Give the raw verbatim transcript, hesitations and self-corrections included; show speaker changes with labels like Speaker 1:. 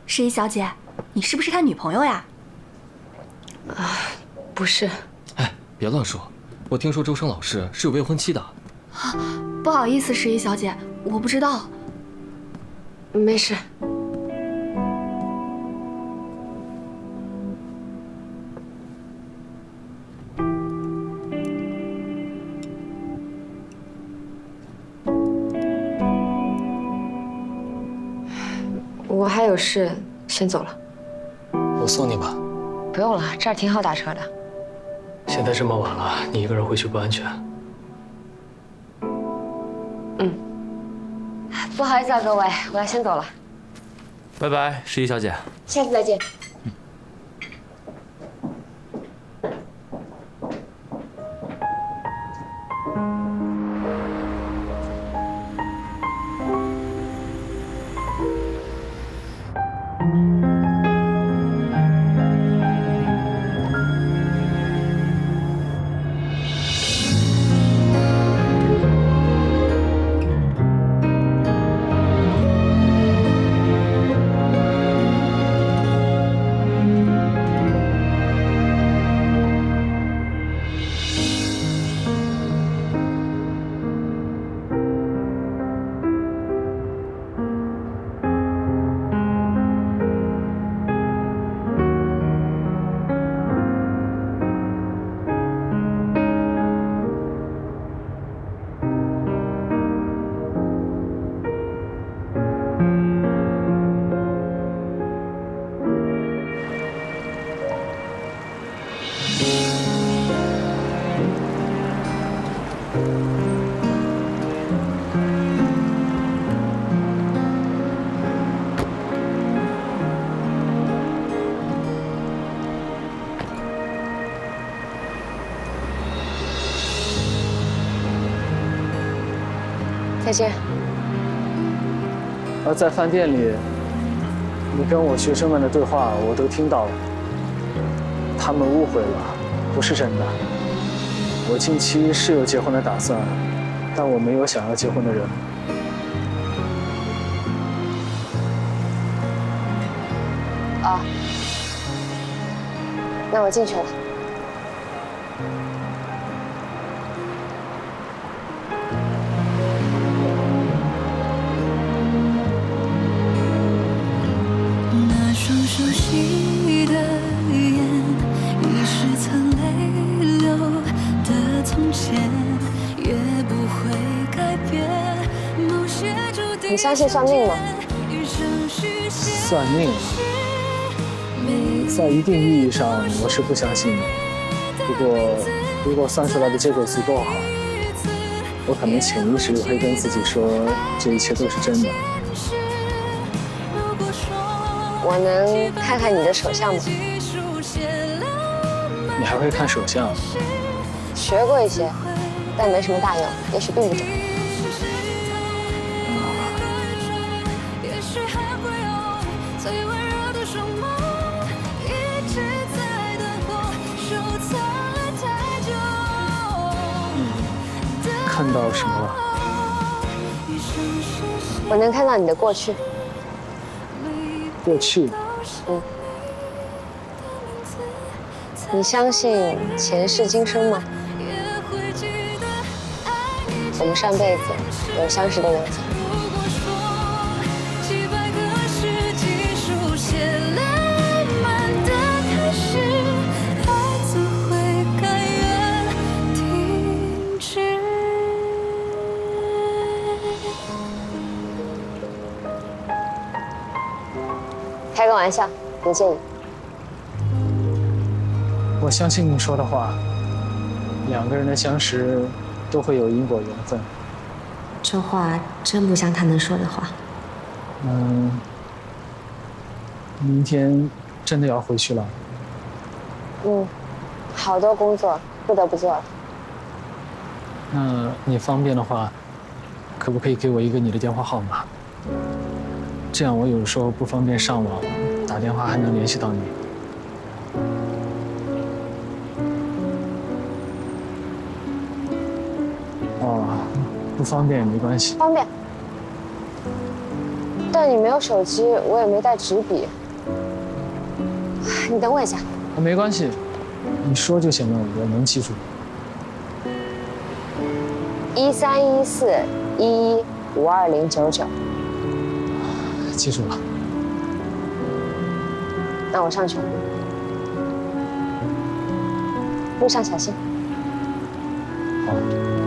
Speaker 1: 诗怡小姐，你是不是他女朋友呀？
Speaker 2: 啊，不是。
Speaker 3: 哎，别乱说，我听说周生老师是有未婚妻的。
Speaker 1: 啊，不好意思，诗怡小姐，我不知道。
Speaker 2: 没事。我还有事，先走了。
Speaker 4: 我送你吧。
Speaker 2: 不用了，这儿挺好打车的。
Speaker 4: 现在这么晚了，你一个人回去不安全。
Speaker 2: 嗯。不好意思啊，各位，我要先走了。
Speaker 3: 拜拜，诗怡小姐。
Speaker 2: 下次再见。
Speaker 3: 嗯。
Speaker 2: 再见。
Speaker 5: 而在饭店里，你跟我学生们的对话我都听到了，他们误会了，不是真的。我近期是有结婚的打算，但我没有想要结婚的人。
Speaker 2: 啊，那我进去了。
Speaker 6: 双熟悉的眼，已是曾泪流的从前，也不会改变。某些注定。
Speaker 2: 你相信算命吗？
Speaker 5: 算命，在一定意义上我是不相信的。不过，如果算出来的结果足够好，我可能潜意识里会跟自己说，这一切都是真的。
Speaker 2: 我能看看你的手相吗？
Speaker 5: 你还会看手相？
Speaker 2: 学过一些，但没什么大用，也许并不准。
Speaker 5: 嗯，看到什么了？
Speaker 2: 我能看到你的过去。
Speaker 5: 过去，
Speaker 2: 嗯，你相信前世今生吗？我们上辈子有相识的缘分。开个玩笑，不介意。
Speaker 5: 我相信你说的话，两个人的相识都会有因果缘分。
Speaker 7: 这话真不像他能说的话。
Speaker 5: 嗯，明天真的要回去了。
Speaker 2: 嗯，好多工作不得不做了。
Speaker 5: 那你方便的话，可不可以给我一个你的电话号码？这样我有时候不方便上网，打电话还能联系到你。哦，不方便也没关系。
Speaker 2: 方便。 但你没有手机，我也没带纸笔。你等我一下。
Speaker 5: 没关系，你说就行了，我能记住。
Speaker 2: 一三一四一一五二零九九。
Speaker 5: 记住了。
Speaker 2: 那我上去了，路上小心。
Speaker 5: 好。